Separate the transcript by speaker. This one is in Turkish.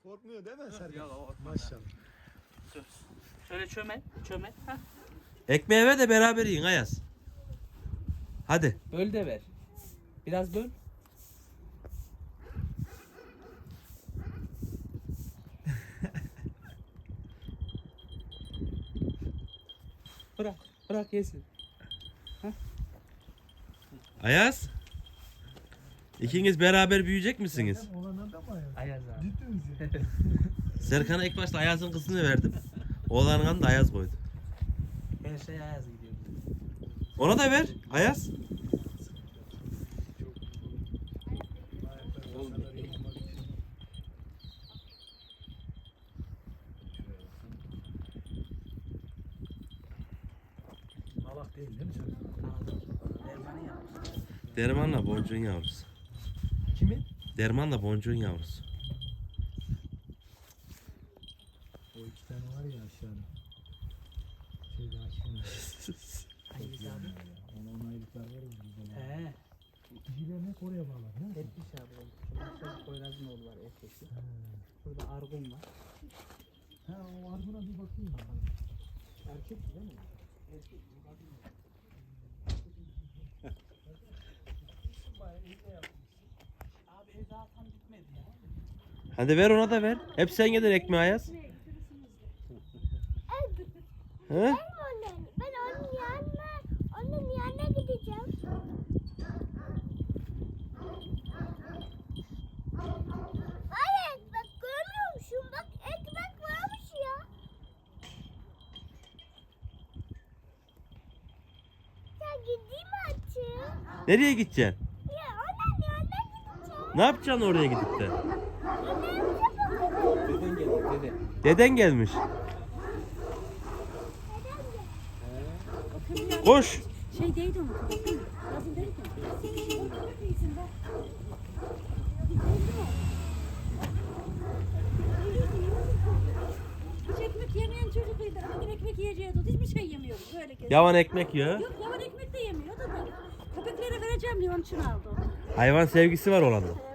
Speaker 1: Korkmuyor değil mi Serkan?
Speaker 2: Yok,
Speaker 1: Maşallah.
Speaker 2: Şöyle çömel. Hah.
Speaker 3: Ekmeği ver de beraber yiyin Ayaz. Hadi.
Speaker 2: Böl de ver. Biraz böl. Bırak yesin.
Speaker 3: Ayaz. İkiniz beraber büyüyecek misiniz?
Speaker 1: Oğlan da mı Ayaz?
Speaker 2: Ayaz abi.
Speaker 1: Ciddi misin?
Speaker 3: Serkan'a ilk başta Ayaz'ın kızını verdim. Oğlanın adını da Ayaz koydu.
Speaker 2: Her şey Ayaz gidiyor.
Speaker 3: Ona da ver Ayaz.
Speaker 1: Malak değil mi Serkan?
Speaker 2: Dermanı yapmış.
Speaker 3: Dermanla boncuğun yavrusu.
Speaker 1: Kimin?
Speaker 3: Dermanla boncuğun yavrusu.
Speaker 1: O iki tane var ya aşağıda. Şeyde aşkına.
Speaker 2: Hangisi abi?
Speaker 1: Ona aylıklar var ya bizde.
Speaker 2: He.
Speaker 1: Kişiler ne oraya bağlar değil mi?
Speaker 2: Etmiş abi. Şurada Poyraz'ın oğlu var erkekli. Burada Argun var.
Speaker 1: Ha o Argun'a bir bakayım.
Speaker 2: Erkek değil mi? Erkek. Abi ev daha tam bitmedi ya.
Speaker 3: Hadi ver ona da ver. Hep sen yedin ekmeği Ayaz. He?
Speaker 4: Ben onun yanına gideceğim. Hayır, bak görmüyor musun? Bak ekmek varmış ya. Ya gideyim artık.
Speaker 3: Nereye gideceksin?
Speaker 4: Ya onun yanına gideceğim.
Speaker 3: Ne yapacaksın oraya gidip de?
Speaker 2: Deden geldi dede.
Speaker 3: Deden gelmiş. Koş.
Speaker 5: Şey değildi onu. Yazın değil mi? Hiç ekmek yemeyen çocukluydu. Bugün ekmek yiyeceğiz. Hiçbir şey yemiyoruz. Böyle geziyor.
Speaker 3: Yavan ekmek ya.
Speaker 5: Yok yavan ekmek de yemiyordu da. Köpeklere vereceğim diye onun için aldı onu.
Speaker 3: Hayvan sevgisi var olan.